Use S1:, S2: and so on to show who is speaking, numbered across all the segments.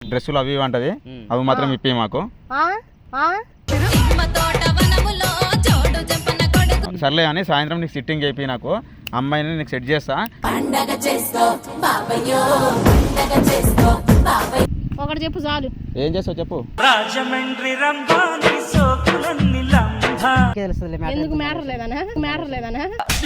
S1: డ్రెస్సులు అవి అంటది, అవి మాత్రం ఇప్పి మాకు. సర్లే అని సాయంత్రం నీకు సిట్టింగ్ అయిపోయి నాకు అమ్మాయిని నీకు సెట్ చేస్తా.
S2: ఒకటి చెప్పు చాలు.
S1: ఏం చేస్తావు చెప్పు.
S2: ఎందుకు మ్యాటర్ లేదనా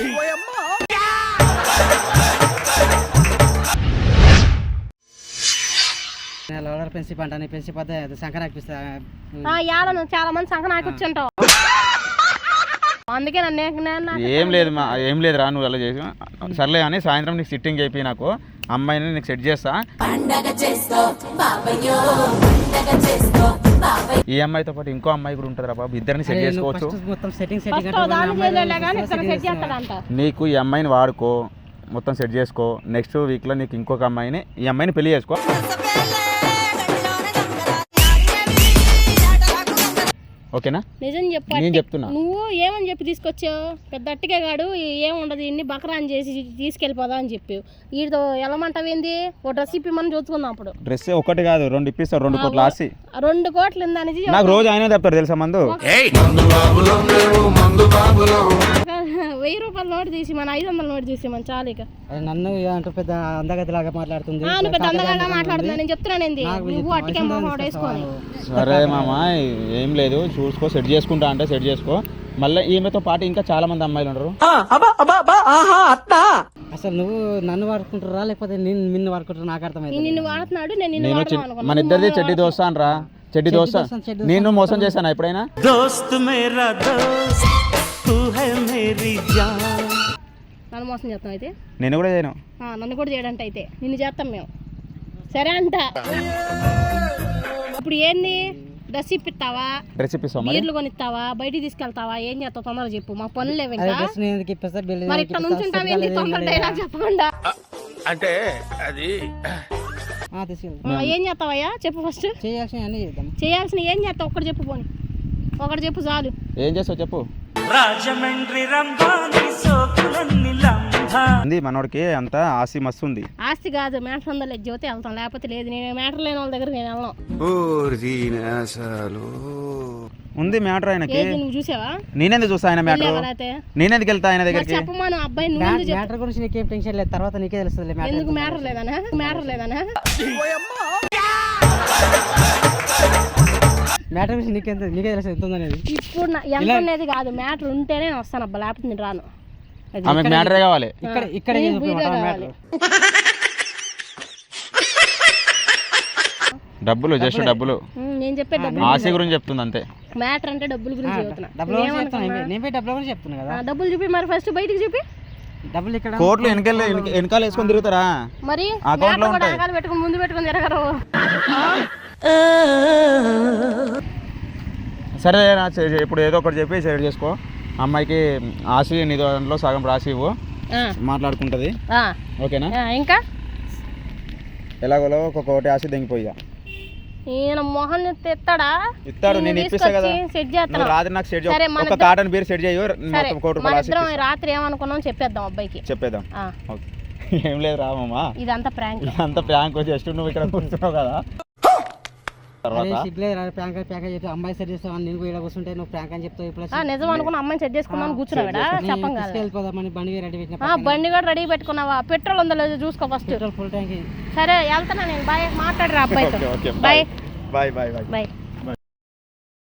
S2: ఏడను చాలా మంది సంఖ నాకు వచ్చుంటావు, అందుకే నన్ను
S1: ఏం లేదు రా నువ్వు అలా చేసి. సర్లే అని సాయంత్రం నీకు సిట్టింగ్ అయిపోయి నాకు అమ్మాయిని నీకు సెట్ చేస్తా. ఈ అమ్మాయితో పాటు ఇంకో అమ్మాయి కూడా ఉంటుంది రా బాబు, ఇద్దరిని సెట్ చేసుకోవచ్చు. నీకు ఈ అమ్మాయిని వాడుకో, మొత్తం సెట్ చేసుకో. నెక్స్ట్ వీక్లో నీకు ఇంకొక అమ్మాయిని, ఈ అమ్మాయిని పెళ్లి చేసుకో. ఓకేనా?
S2: నిజం చెప్పు.
S1: నేను చెప్తున్నా.
S2: నువ్వు ఏమని చెప్పి తీసుకొచ్చావు? పెద్ద అట్టికే గాడు ఏముండదు, ఇన్ని బకరాన్ చేసి తీసుకెళ్ళిపోదా అని చెప్పావు. వీడితో ఎలమంటావేంది? ఓ డ్రెస్ ఇప్పి మనం చూసుకుందాం. అప్పుడు
S1: డ్రెస్ ఒకటి కాదు 2 ఇప్పిస్తాడు, 2 కోట్లు ఆసి.
S2: 2 కోట్లు ఉందనేది
S1: నాకు రోజు ఆయన చెప్తారు తెలుసా మందు.
S2: 1000 రూపాయల నోటు తీసి మన 500 నోటు తీసి మన చాలు. ఇక
S3: నన్ను పెద్ద అందగతిలాగా మాట్లాడుతుంది.
S2: పెద్ద అందగాగా మాట్లాడుతున్నా నేను చెప్తున్నాను. నువ్వు అట్టికే వేసుకొని.
S1: సరే మామ ఏం లేదు, చూసుకో, సెట్ చేసుకుంటా అంటే సెట్ చేసుకో. మళ్ళీ ఈమెతో పాటు ఇంకా చాలా మంది అమ్మాయిలు ఉండరు.
S3: అసలు నువ్వు నన్ను వాడుకుంటారా లేకపోతే నిన్ను వాడుకుంటారా? నాకు అర్థమైంది.
S2: నిన్ను వాడుతున్నాడు,
S1: మన ఇద్దరిది చెడ్డి దోస్తా అనరా, చెడ్డి దోస్తా. నేను మోసం చేశాను ఎప్పుడైనా?
S2: నన్ను మోసం చేస్తాం అయితే?
S1: నేను కూడా చేయను.
S2: నన్ను కూడా చేయడంటే అయితే నిన్ను చేస్తాం మేము. సరే అంట. ఇప్పుడు ఏంది? డ్రెస్ ఇప్పిస్తావా? బీర్లు కొనిస్తావా? బయటికి తీసుకెళ్తావా? ఏం చేస్తావు? తొందరగా చెప్పు, మా పనులు లేవు ఇంకా. మరి ఇక్కడ నుంచి ఉంటావేంది తొందర డైలాగ్ చెప్పకుండా?
S4: అంటే అది
S2: ఏం చేస్తావయ్యా చెప్పు. ఫస్ట్ చేయాల్సిన ఏం చేస్తావు? ఒక్కటి చెప్పు. పోనీ ఒకటి చెప్పు చాలు.
S1: ఏం చేస్తావు చెప్పు. మనోడికి అంత ఆస్తి మస్తు ఉంది.
S2: ఆస్తి కాదు, మ్యాటర్ ఉందా లేదు జ్యోతి వెళ్తాం, లేకపోతే లేదు. నేను మ్యాటర్ లేని వాళ్ళ దగ్గర నేను వెళ్ళను.
S1: ఉంది మ్యాటర్ ఆయనకి.
S2: నువ్వు చూసావా?
S1: నేనెందుకు చూస్తా ఆయన మ్యాటర్? నేనెందుకు వెళ్తా ఆయన దగ్గరికి?
S2: చెప్పమను అబ్బాయి.
S3: మ్యాటర్ గురించి నీకేం టెన్షన్ లేదు, తర్వాత నీకే తెలుస్తుంది.
S2: ఎందుకు మ్యాటర్ లేదనా?
S3: మ్యాటర్ గురించి నీకే తెలుసు ఎంత ఉందనేది.
S2: ఇప్పుడు ఎంత అనేది కాదు, మ్యాటర్ ఉంటేనే వస్తాను అబ్బా, లేకపోతే నేను రాను.
S1: మ్యాటరే కావాలి.
S3: ఇక్కడ
S1: డబ్బులు, జస్ట్ డబ్బులు.
S2: నేను చెప్పే డబ్బులు
S1: ఆశ గురించి చెప్తుంది అంతే.
S2: మ్యాటర్ అంటే డబ్బుల గురించి చెప్తున్నా.
S3: డబ్బుల గురించి చెప్తున్నా కదా.
S2: డబ్బులు చూపి మరి, ఫస్ట్ బయటికి చూపి.
S3: డబ్బులు ఇక్కడ
S1: కోట్లు వెనకాల వేసుకొని తిరుగుతారా?
S2: మరి పెట్టుకుని ముందు పెట్టుకుని తిరగరు.
S1: సరే ఇప్పుడు ఏదో ఒకటి చెప్పి సెట్ చేసుకో. అమ్మాయికి ఆశ నీ దాంట్లో సగం రాసి ఇవ్వు, మాట్లాడుకుంటది. ఓకేనా?
S2: ఇంకా
S1: ఎలాగోలో ఒక్కొక్కటి ఆశ దిగిపోయా.
S2: ఈయన మొహన్
S1: ఇస్తాడు, నేను ఇప్పిస్తా కదా. రాత్రి నాకు సెట్ చేయ, ఒక కాటన్ బీర్ సెట్ చేయు.
S2: రాత్రి ఏమనుకున్నాం చెప్పేద్దాం అబ్బాయికి.
S1: చెప్పేద్దాం. ఏం లేదు రామమ్మా,
S2: ఇదంతా ప్రాంక్.
S1: ఇదంతా ప్రాంక్. జస్ట్ నువ్వు ఇక్కడ కూర్చున్నావు కదా.
S3: అమ్మాయి సెట్ చేస్తావు, నేను కూడా కూర్చుంటే నువ్వు ప్రాంక్ అని చెప్తావు.
S2: నిజం అనుకున్నా అమ్మాయిని సెట్ చేసుకున్నాను కూర్చున్నాడా?
S3: చెప్పండి.
S2: బండి కూడా రెడీ పెట్టుకున్నావా? పెట్రోల్ ఉందో లేదో చూసుకో ఫస్ట్.
S3: Full tank.
S2: సరే వెళ్తున్నా నేను. బాయ్. మాట్లాడరా అబ్బాయితో. బాయ్.
S1: Bye bye bye.